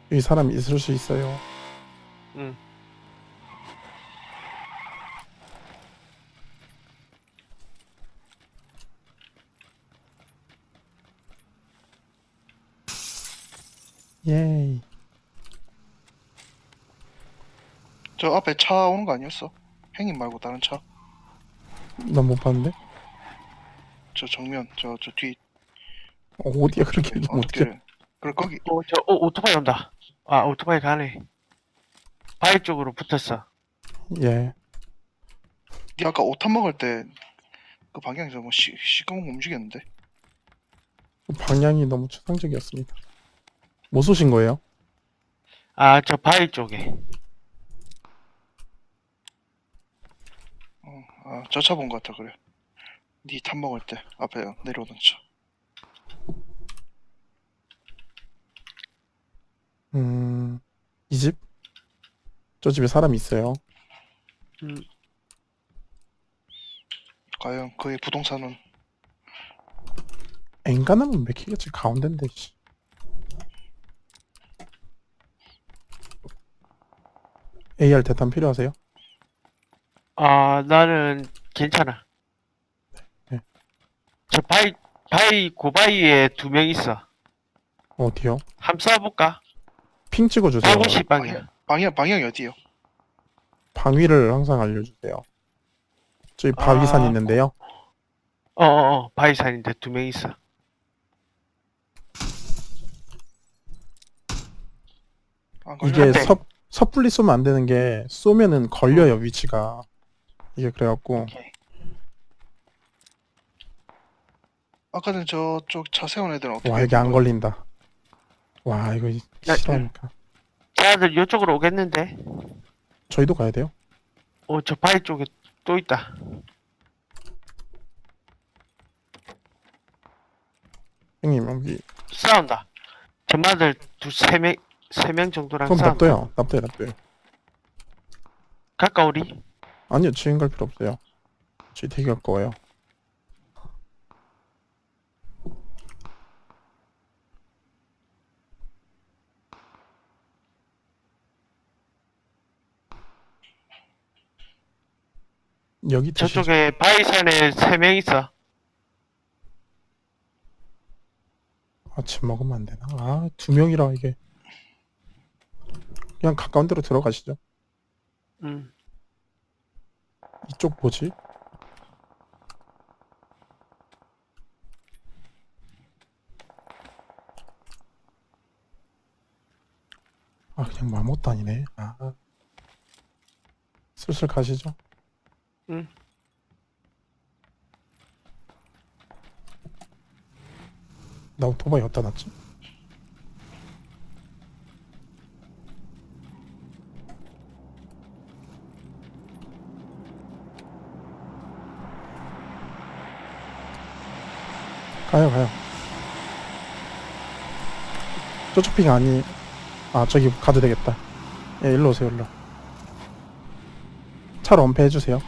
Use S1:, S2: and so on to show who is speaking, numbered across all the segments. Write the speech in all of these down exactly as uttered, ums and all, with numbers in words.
S1: 여기 사람이 있을 수 있어요.
S2: 응.
S1: 예이.
S3: 저 앞에 차 오는 거 아니었어? 행님 말고 다른 차.
S1: 난 못 봤는데.
S3: 저 정면, 저, 저 뒤,
S1: 어, 어디야 그렇게
S3: 저기,
S1: 얘기하면 어떡해.
S3: 어떻게. 그래, 거기,
S2: 어, 저, 어, 오토바이 온다. 아, 오토바이 가네. 바위 쪽으로 붙었어.
S1: 예.
S3: 니 아까 오탄 먹을 때, 그 방향에서 뭐, 시, 시꺼먼 거 움직였는데?
S1: 방향이 너무 추상적이었습니다. 뭐 쏘신 거예요?
S2: 아, 저 바위 쪽에.
S3: 어, 아, 저 차 본 거 같아, 그래. 니 탄 먹을 때, 앞에 내려오던 차.
S1: 음, 이 집? 저 집에 사람이 있어요.
S2: 음,
S3: 과연 그의 부동산은,
S1: 엔간하면 맥히겠지. 가운데인데. 씨. 에이알 대탄 필요하세요?
S2: 아, 나는 괜찮아.
S1: 네.
S2: 저 바위, 바위, 고바위에 두 명 있어.
S1: 어디요?
S2: 함 쏴볼까?
S1: 핑 찍어주세요.
S2: 백오십
S3: 방향,
S2: 방이야.
S3: 방향, 방향이 어디요?
S1: 방위를 항상 알려주세요. 저기 바위산
S2: 아,
S1: 있는데요.
S2: 어어어, 바위산인데 두 명 있어.
S3: 안
S1: 이게
S2: 한
S3: 걸렸는데?
S2: 대.
S1: 섣, 섣불리 쏘면 안 되는 게 쏘면은 걸려요, 위치가. 이게 그래갖고.
S2: 오케이.
S3: 아까는 저쪽 차 세운 애들은 어떻게
S1: 와, 여기 안
S3: 된 거야?
S1: 걸린다. 와, 이거
S2: 야,
S1: 싫어하니까.
S2: 쟤들 이쪽으로 오겠는데?
S1: 저희도 가야 돼요?
S2: 어, 저 바위 쪽에 또 있다.
S1: 형님, 여기.
S2: 싸운다. 전마들 두, 세 명, 세 명 정도랑
S1: 그럼
S2: 싸운다.
S1: 납둬요. 납둬요, 납둬요.
S2: 가까우리?
S1: 아니요, 지금 갈 필요 없어요. 저희 되게 가까워요. 여기 드시죠.
S2: 저쪽에 바위산에 세 명 있어.
S1: 아침 먹으면 안 되나? 아, 두 명이라 이게. 그냥 가까운 데로 들어가시죠.
S2: 음.
S1: 이쪽 뭐지? 아, 그냥 맘못 다니네. 아. 슬슬 가시죠.
S2: 응.
S1: 나 오토바이 어디다 놨지? 가요, 가요. 저쪽 핑 아니. 아, 저기 가도 되겠다. 예, 일로 오세요, 일로. 차로 엄폐해주세요.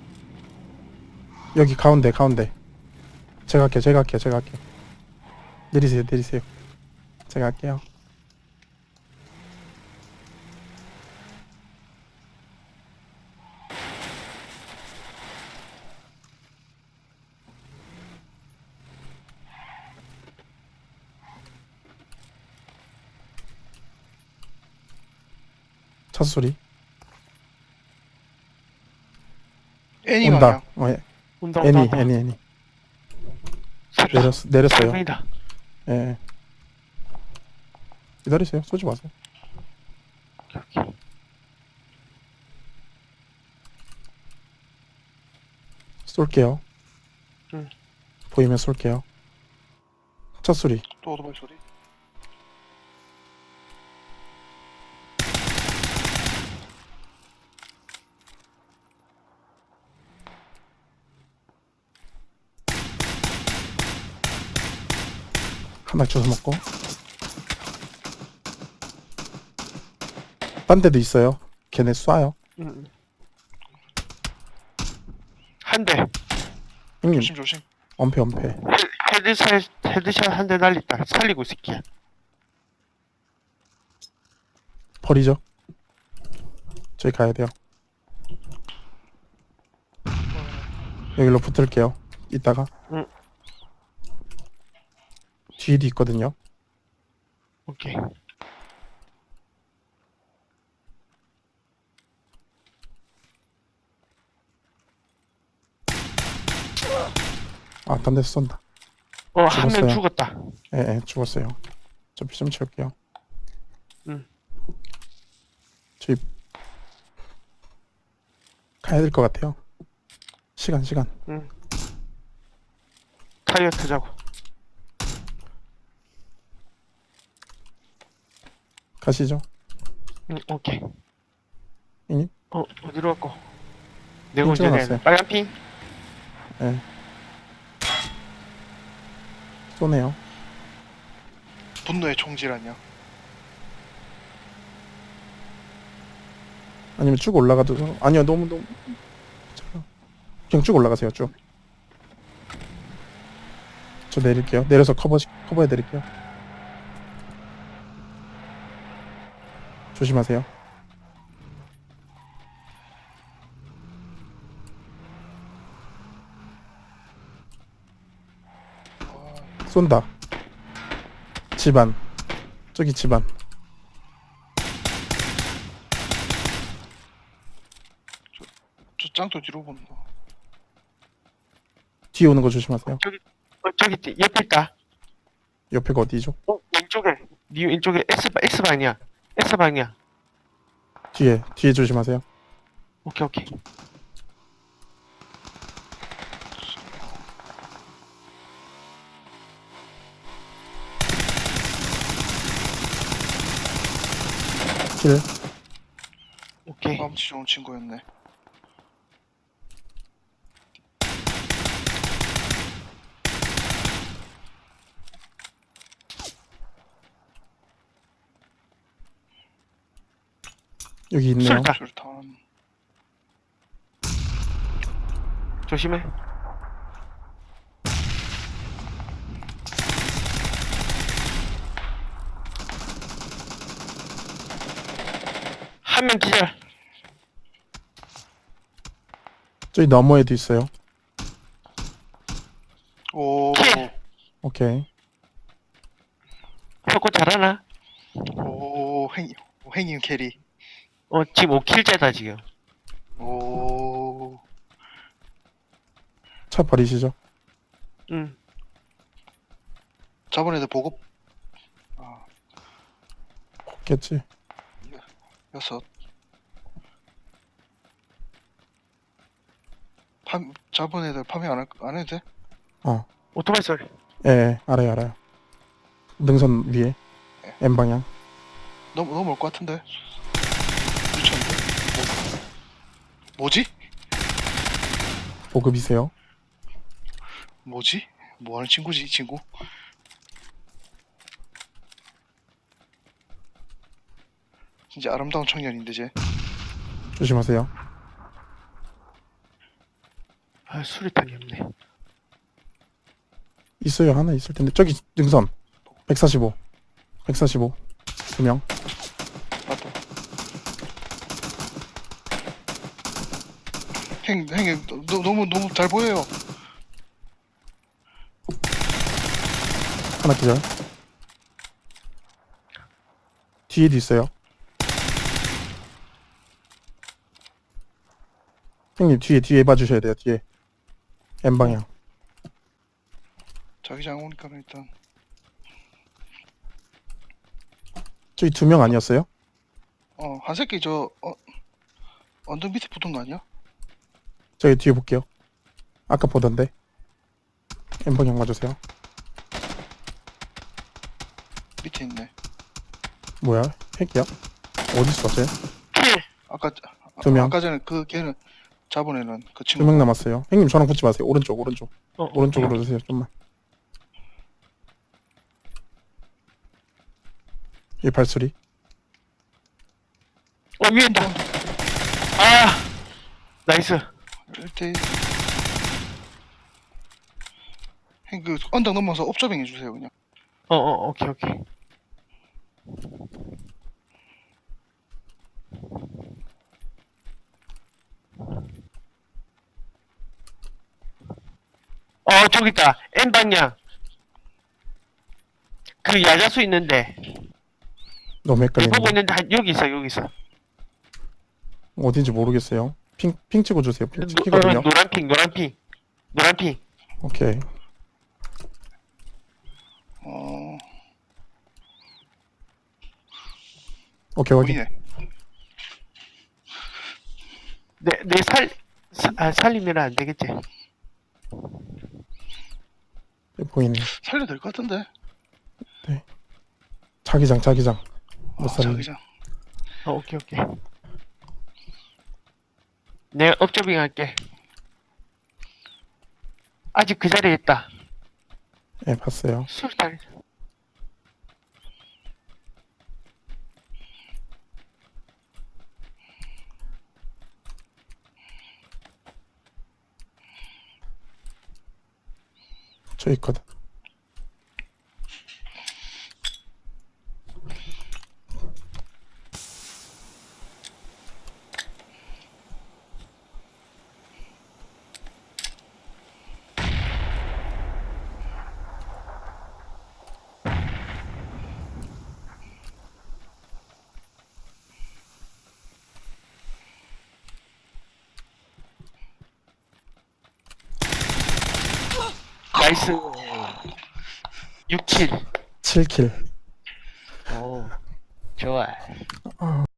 S1: 여기 가운데, 가운데. 제가 할게요, 제가 할게요, 제가 할게요. 내리세요, 내리세요. 제가 할게요. 차 소리.
S3: 애니
S1: 온다.
S3: 방향.
S1: 어, 예.
S2: 온다, 온다,
S1: 애니,
S2: 온다.
S1: 애니, 애니.
S2: 세 명.
S1: 내렸, 내렸어요.
S2: 세 명이다.
S1: 예. 기다리세요. 쏘지 마세요.
S2: 오케이, 오케이.
S1: 쏠게요.
S2: 응.
S1: 보이면 쏠게요. 차 소리.
S3: 또 오토바이 소리.
S1: 하나 주워 먹고. 딴 데도 있어요. 걔네 쏴요.
S2: 음. 한 대.
S1: 형님,
S3: 조심, 조심.
S1: 엄폐, 엄폐.
S2: 헤- 헤드샷, 헤드샷 한 대 날렸다. 살리고 있을게.
S1: 버리죠. 저희 가야 돼요. 여기로 붙을게요. 이따가.
S2: 응.
S1: 뒤에도 있거든요.
S2: 오케이.
S1: 아, 딴 데서 쏜다.
S2: 어, 한 명
S1: 죽었어요.
S2: 죽었다.
S1: 예, 예, 죽었어요. 저 피 좀 채울게요.
S2: 응.
S1: 저희 가야 될 것 같아요. 시간, 시간.
S2: 응. 타이어 타자고.
S1: 가시죠.
S2: 응, 오케이.
S1: 형님?
S2: 어, 어디로 갈거? 내가
S1: 핑
S2: 운전해야 돼.
S1: 찍어놨어요.
S2: 빨간 핑?
S1: 예. 쏘네요.
S3: 분노의 총질 아니야?
S1: 아니면 쭉 올라가도 아니요, 너무 너무 잠깐. 그냥 쭉 올라가세요. 쭉. 저 내릴게요. 내려서 커버 커버해 드릴게요. 조심하세요. 쏜다. 집안. 저기 집안.
S3: 저 짱도 뒤로 본다.
S1: 뒤에 오는 거 조심하세요.
S2: 저기, 어, 저기 뒤- 옆에 있다.
S1: 옆에가 어디죠?
S2: 어, 왼쪽에. 니 왼쪽에 S, S방이야. S방이야.
S1: 뒤에. 뒤에 조심하세요.
S2: 오케이, 오케이.
S1: 킬.
S2: 오케이.
S3: 마음치 좋은 친구였네.
S1: 여기 있네요.
S2: 쏠다.
S3: 술탄.
S2: 조심해. 한 명 기절.
S1: 저기 너머에도 있어요.
S3: 오,
S2: 킬.
S1: 오케이.
S2: 혁고 잘하나?
S3: 오, 행, 행인 캐리.
S2: 어, 지금 오 킬째다, 지금.
S3: 오,
S1: 차 버리시죠.
S2: 응.
S3: 저번 애들 보급. 아,
S1: 없겠지.
S3: 여섯. 팜, 저번 애들 파밍 안, 할, 안 해도 돼?
S1: 어.
S2: 오토바이 소리.
S1: 예, 예, 알아요, 알아요. 능선 위에. N 방향.
S3: 너무, 너무 올 것 같은데? 미쳤는데? 뭐, 뭐지?
S1: 보급이세요.
S3: 뭐지? 뭐 하는 친구지, 이 친구? 진짜 아름다운 청년인데, 쟤.
S1: 조심하세요.
S2: 아, 수리탄이 없네.
S1: 있어요. 하나 있을 텐데. 저기 능선. 백사십오. 백사십오. 두 명.
S3: 맞다. 행, 행, 너, 너무, 너무 잘 보여요.
S1: 하나 기절. 뒤에도 있어요. 형님 뒤에 뒤에 봐주셔야 돼요. 뒤에. N 방향.
S3: 자기장 오니까 일단.
S1: 저기 두 명 아니었어요?
S3: 어, 한 새끼 저, 어, 언덕 밑에 붙은 거 아니야?
S1: 저기 뒤에 볼게요. 아까 보던데. N 방향 봐주세요.
S3: 밑에 있네.
S1: 뭐야? 핵이야? 어디 있어? 쟤?
S2: 킬.
S3: 아까,
S1: 두 명.
S3: 아까 전에 그 걔는 잡은 애는 그 친구.
S1: 두 명 남았어요. 형님 저랑 붙지 마세요. 오른쪽 오른쪽.
S2: 어,
S1: 오른쪽으로 주세요. 좀만. 이 발소리.
S2: 어, 위에 있다. 아, 나이스.
S3: 일대 그 언덕 넘어서 옵저빙 해주세요 그냥.
S2: 어, 어, 오케이, 오케이. 어, 저기 있다. N 방향. 그 야자수 있는데.
S1: 너무
S2: 내
S1: 헷갈리네.
S2: 보고 있는데, 한- 여기 있어, 여기 있어.
S1: 어딘지 모르겠어요. 핑, 핑 찍어주세요. 핑
S2: 노, 어,
S1: 찍히거든요.
S2: 노란 핑, 노란 핑. 노란 핑.
S1: 오케이.
S3: 어
S1: 오케이, 확인.
S3: 보이네.
S2: 내, 내 살, 사, 아, 살리면 안 되겠지.
S1: 네, 보이네.
S3: 살려도 될 것 같은데.
S1: 자기장, 자기장. 못
S3: 아,
S1: 살려.
S3: 자기장.
S2: 어, 오케이, 오케이. 내가 업저빙 할게. 아직 그 자리에 있다.
S1: 예, 봤어요.
S2: 술탄.
S1: 저 있거든.
S2: 나이스. 육 킬.
S1: 칠 킬.
S2: 오, 좋아.